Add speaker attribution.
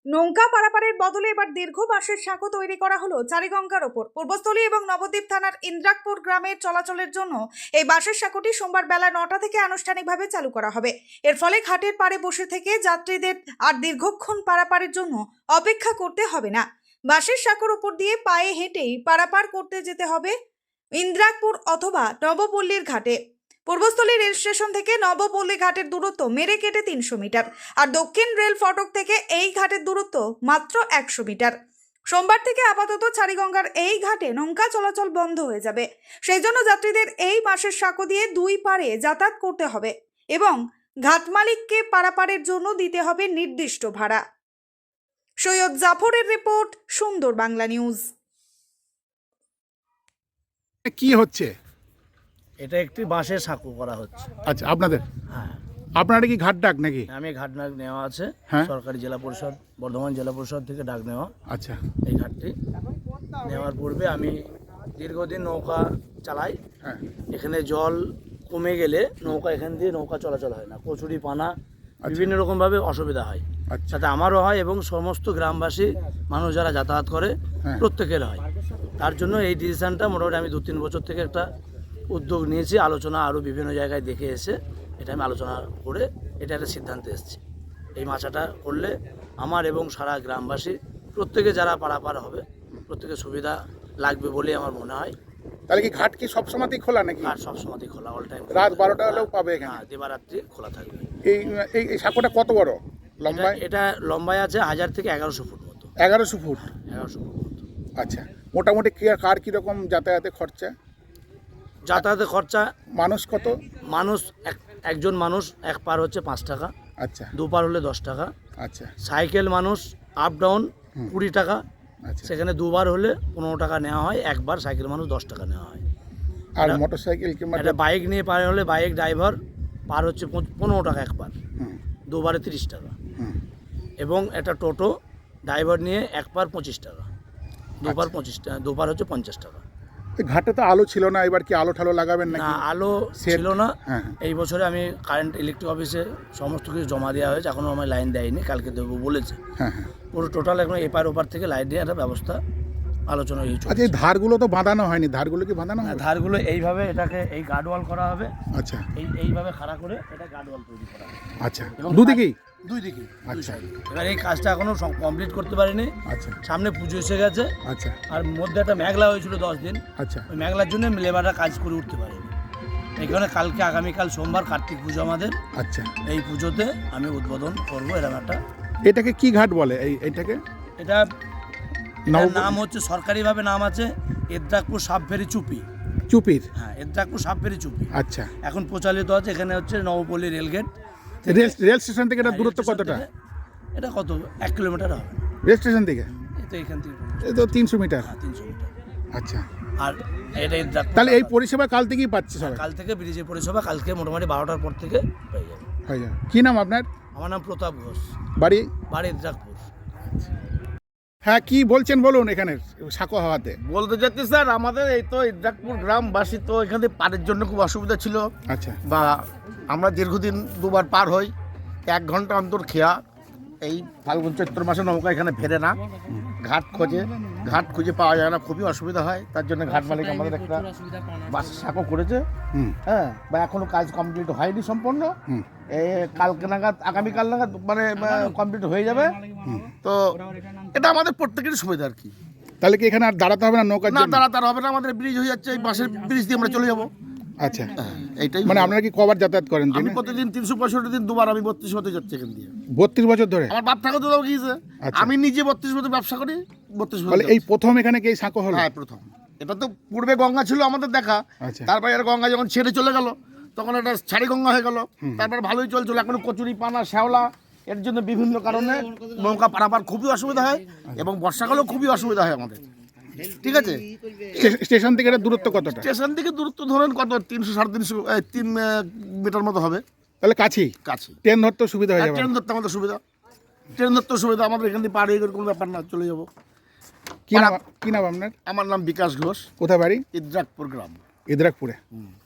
Speaker 1: নৌকা পারাপারের বদলে এবার দীর্ঘ বাঁশের সাঁকো তৈরি করা হলো চারিগঙ্গার ওপর। পূর্বস্থলী এবং নবদ্বীপ থানার ইন্দ্রাকপুর গ্রামের চলাচলের জন্য এই বাঁশের সাঁকোটি সোমবার বেলা 9টা থেকে আনুষ্ঠানিকভাবে চালু করা হবে। এর ফলে ঘাটের পাড়ে বসে থেকে যাত্রীদের আর দীর্ঘক্ষণ পারাপারের জন্য অপেক্ষা করতে হবে না। বাঁশের সাঁকোর উপর দিয়ে পায়ে হেঁটেই পারাপার করতে যেতে হবে ইন্দ্রাকপুর অথবা নবপল্লীর ঘাটে। পূর্বস্থলী রেল স্টেশন থেকে নবপল্লী ঘাটের দূরত্ব মেরে কেটে 300 মিটার, আর দক্ষিণ রেল ফটক থেকে এই ঘাটের দূরত্ব মাত্র 100 মিটার। সোমবার থেকে আপাতত চারিগঙ্গার এই ঘাটে নৌকা চলাচল বন্ধ হয়ে যাবে। সেই জন্য যাত্রীদের এই বাঁশের সাঁকো দিয়ে দুই পারে যাতায়াত করতে হবে এবং ঘাট মালিককে পারাপারের জন্য দিতে হবে নির্দিষ্ট ভাড়া। সৈয়দ জাফরের রিপোর্ট, সুন্দর বাংলা নিউজ।
Speaker 2: কি হচ্ছে?
Speaker 3: এটা একটি বাঁশের সাঁকো করা হচ্ছে।
Speaker 2: আচ্ছা, আপনাদের
Speaker 3: হ্যাঁ,
Speaker 2: আপনারা কি ঘাট ডাক নাকি?
Speaker 3: আমি ঘাট ডাক নেওয়া আছে,
Speaker 2: হ্যাঁ।
Speaker 3: সরকারি জেলা পরিষদ, বর্ধমান জেলা পরিষদ থেকে ডাক নেওয়া।
Speaker 2: আচ্ছা,
Speaker 3: এই ঘাটটি নেওয়ার পূর্বে আমি দীর্ঘদিন নৌকা চালাই।
Speaker 2: হ্যাঁ,
Speaker 3: এখানে জল কমে গেলে নৌকা এখান দিয়ে নৌকা চলাচল হয় না, কচুরি পানা বিভিন্ন রকমভাবে অসুবিধা হয়।
Speaker 2: আচ্ছা,
Speaker 3: সাথে আমারও হয় এবং সমস্ত গ্রামবাসী মানুষ যারা যাতায়াত করে
Speaker 2: হ্যাঁ।
Speaker 3: প্রত্যেকের হয়। তার জন্য এই ডিসিশনটা মোটামুটি আমি 2-3 বছর থেকে একটা উদ্যোগ নিয়েছি। আলোচনা আরও বিভিন্ন জায়গায় দেখে এসে এটা আমি আলোচনা করে এটা একটা সিদ্ধান্তে এসেছি। এই মাছাটা করলে আমার এবং সারা গ্রামবাসী প্রত্যেকে যারা পারাপার হবে প্রত্যেকের সুবিধা লাগবে বলে আমার মনে হয়।
Speaker 2: তাহলে কি ঘাট কি সবসময়ই খোলা নাকি?
Speaker 3: আর সবসময় খোলা, অল টাইম।
Speaker 2: রাত 12টা হলেও পাবে এখানে?
Speaker 3: হ্যাঁ, দিবারাত্রি খোলা থাকবে।
Speaker 2: এই এই এই সাঁকোটা কত বড় লম্বায়?
Speaker 3: এটা লম্বায় আছে 1000 থেকে 1100 ফুট মতো।
Speaker 2: 1100 ফুট।
Speaker 3: 1100 ফুট মতো।
Speaker 2: আচ্ছা, মোটামুটি কার কীরকম যাতায়াতে খরচা?
Speaker 3: যাতায়াতের খরচা
Speaker 2: মানুষ কত?
Speaker 3: মানুষ একজন মানুষ এক পার হচ্ছে 5 টাকা,
Speaker 2: আচ্ছা,
Speaker 3: 2 পার হলে 10 টাকা।
Speaker 2: আচ্ছা,
Speaker 3: সাইকেল মানুষ আপ ডাউন 20 টাকা,
Speaker 2: আচ্ছা।
Speaker 3: সেখানে 2 বার হলে 15 টাকা নেওয়া হয়, একবার সাইকেল মানুষ 10 টাকা নেওয়া হয়।
Speaker 2: আর মোটরসাইকেল কিংবা
Speaker 3: একটা বাইক নিয়ে পার হলে বাইক ড্রাইভার পার হচ্ছে 15 টাকা এক পার,
Speaker 2: হুম,
Speaker 3: 2 বারে 30 টাকা।
Speaker 2: হুম,
Speaker 3: এবং একটা টোটো ড্রাইভার নিয়ে এক পার 25 টাকা, 2 পার 25 টাকা, 2 পার হচ্ছে 50 টাকা।
Speaker 2: এই ঘাটে তো আলো ছিল না, এবার কি আলো ঠালো লাগাবেন
Speaker 3: না,
Speaker 2: নাকি?
Speaker 3: আলো
Speaker 2: সেট?
Speaker 3: ছিল না।
Speaker 2: হ্যাঁ,
Speaker 3: এই বছরে আমি কারেন্ট ইলেকট্রিক অফিসে সমস্ত কিছু জমা দেওয়া হয়েছে, এখনও আমার লাইন দেয়নি, কালকে দেবো বলেছে।
Speaker 2: হ্যাঁ, হ্যাঁ।
Speaker 3: পুরো টোটাল এখন এপার ওপার থেকে লাইট দিয়ে একটা ব্যবস্থা আলোচনা হয়েছে।
Speaker 2: আচ্ছা, এই ধারগুলো তো বাঁধানো হয়নি, ধারগুলো কি বাঁধানো হবে?
Speaker 3: ধারগুলো এইভাবে এটাকে এই গার্ডওয়াল করা হবে,
Speaker 2: আচ্ছা,
Speaker 3: এইভাবে খাড়া করে এটা গার্ডওয়াল তৈরি করা হবে।
Speaker 2: আচ্ছা,
Speaker 3: এবং
Speaker 2: দুদিকেই?
Speaker 3: দুই দিকে।
Speaker 2: আচ্ছা,
Speaker 3: এবার এই কাজটা এখনো কমপ্লিট করতে পারিনি।
Speaker 2: আচ্ছা,
Speaker 3: সামনে পুজো এসে গেছে,
Speaker 2: আচ্ছা,
Speaker 3: আর মধ্যে একটা মেঘলা হয়েছিল 10 দিন।
Speaker 2: আচ্ছা,
Speaker 3: ওই মেঘলার জন্য লেবাররা কাজ করে উঠতে পারেনি। এখানে কালকে আগামীকাল সোমবার কার্তিক পুজো আমাদের,
Speaker 2: আচ্ছা।
Speaker 3: এই পুজোতে আমি উদ্বোধন করবো এরকম একটা।
Speaker 2: এটাকে কি ঘাট বলে? এইটাকে
Speaker 3: এটার নাম হচ্ছে, সরকারিভাবে নাম আছে ইন্দ্রাকপুর সাবফেরি চুপি।
Speaker 2: চুপির?
Speaker 3: হ্যাঁ, ইন্দ্রাকপুর সাবফেরি চুপি।
Speaker 2: আচ্ছা।
Speaker 3: এখন প্রচালিত আছে। এখানে হচ্ছে নবপল্লী রেলগেট।
Speaker 2: রেল স্টেশন থেকে এটা দূরত্ব কতটা?
Speaker 3: এটা কত, 1 কিলোমিটার হবে
Speaker 2: রেল স্টেশন থেকে?
Speaker 3: এই তো এখান থেকে
Speaker 2: এই তো 300 মিটার।
Speaker 3: হ্যাঁ, 300 মিটার।
Speaker 2: আচ্ছা,
Speaker 3: আর এটা ইন্দ্রাকপুর।
Speaker 2: তাহলে এই পরিষেবা কাল থেকেই পাচ্ছে সবাই?
Speaker 3: কাল থেকে ব্রিজের পরিষেবা কালকে মোটামুটি 12টার পর থেকে হয়ে যাবে।
Speaker 2: হয়ে যাবে। কী নাম আপনার?
Speaker 3: আমার নাম প্রতাপ ঘোষ,
Speaker 2: বাড়ি?
Speaker 3: বাড়ি ইন্দ্রাকপুর।
Speaker 2: হ্যাঁ, কি বলছেন বলুন এখানের সাঁকো হওয়াতে?
Speaker 4: বলতে চাচ্ছি স্যার, আমাদের এই তো ইন্দ্রাকপুর গ্রামবাসী তো এখানে পারের জন্য খুব অসুবিধা ছিল,
Speaker 2: আচ্ছা,
Speaker 4: বা আমরা দীর্ঘদিন 2 বার পার হই, 1 ঘন্টা অন্তর খেয়া। এই ফাল্গুন চৈত্র মাসে নৌকা এখানে ফেরে না, ঘাট খুঁজে পাওয়া যায় না, খুবই অসুবিধা হয়। তার জন্য ঘাট মালিক আমাদের একটা বাঁশের সাঁকো করেছে।
Speaker 2: হুম,
Speaker 4: হ্যাঁ, বা এখনো কাজ কমপ্লিট হয়নি সম্পূর্ণ।
Speaker 2: হুম,
Speaker 4: কালকে নাগাদ, আগামীকাল নাগাদ মানে কমপ্লিট হয়ে যাবে। তো এটা আমাদের প্রত্যেকেরই সুবিধা আর কি।
Speaker 2: তাহলে কি এখানে আর দাঁড়াতে হবে না নৌকার
Speaker 4: না,
Speaker 2: জন্য?
Speaker 4: তাড়াতাড়ি হবে না, আমাদের ব্রিজ হয়ে যাচ্ছে, এই বাসের ব্রিজ দিয়ে আমরা চলে যাবো।
Speaker 2: আচ্ছা,
Speaker 4: এইটাই
Speaker 2: মানে আপনারা কি কবার যাতায়াত করেন
Speaker 4: আমি
Speaker 2: দিনে?
Speaker 4: প্রতিদিন 365 দিন 2 বার আমি 32 হতে যাচ্ছি এখান দিয়ে।
Speaker 2: 32 বছর ধরে?
Speaker 4: আমার বাপ ঠাকুর তো গিয়েছে।
Speaker 2: আচ্ছা।
Speaker 4: আমি নিজে 32 বছর ব্যবসা করি, 32 বছর।
Speaker 2: তাহলে এই প্রথম এখানে কি এই সাঁকো হলো?
Speaker 4: হ্যাঁ, প্রথম। এটা তো পূর্বে গঙ্গা ছিল আমাদের দেখা।
Speaker 2: আচ্ছা,
Speaker 4: তারপরে আর গঙ্গা যখন ছেড়ে চলে গেল তখন এটা ছাড়ি গঙ্গা হয়ে গেল। তারপর ভালোই চলছিল। এখন কচুরি পানা, শ্যাওলা, এর জন্য বিভিন্ন কারণে নৌকা পারাপার খুবই অসুবিধা হয়, এবং বর্ষাকালেও খুবই অসুবিধা হয় আমাদের। ঠিক আছে।
Speaker 2: স্টেশন থেকে এটা দূরত্ব কতটা?
Speaker 4: স্টেশন থেকে দূরত্ব ধরেন কত, 300-3.5 মিটার মতো হবে।
Speaker 2: তাহলে কাছেই?
Speaker 4: কাছে।
Speaker 2: ট্রেন ধরতে সুবিধা হয়ে যাবে?
Speaker 4: ট্রেন ধরতে আমাদের সুবিধা, আমাদের এখান থেকে পার হয়ে কোনো ব্যাপার না, চলে যাবো।
Speaker 2: কি নাম আপনার?
Speaker 4: আমার নাম বিকাশ ঘোষ,
Speaker 2: কোথায় বাড়ি?
Speaker 4: ইন্দ্রাকপুর গ্রাম।
Speaker 2: ইদ্রাকপুরে?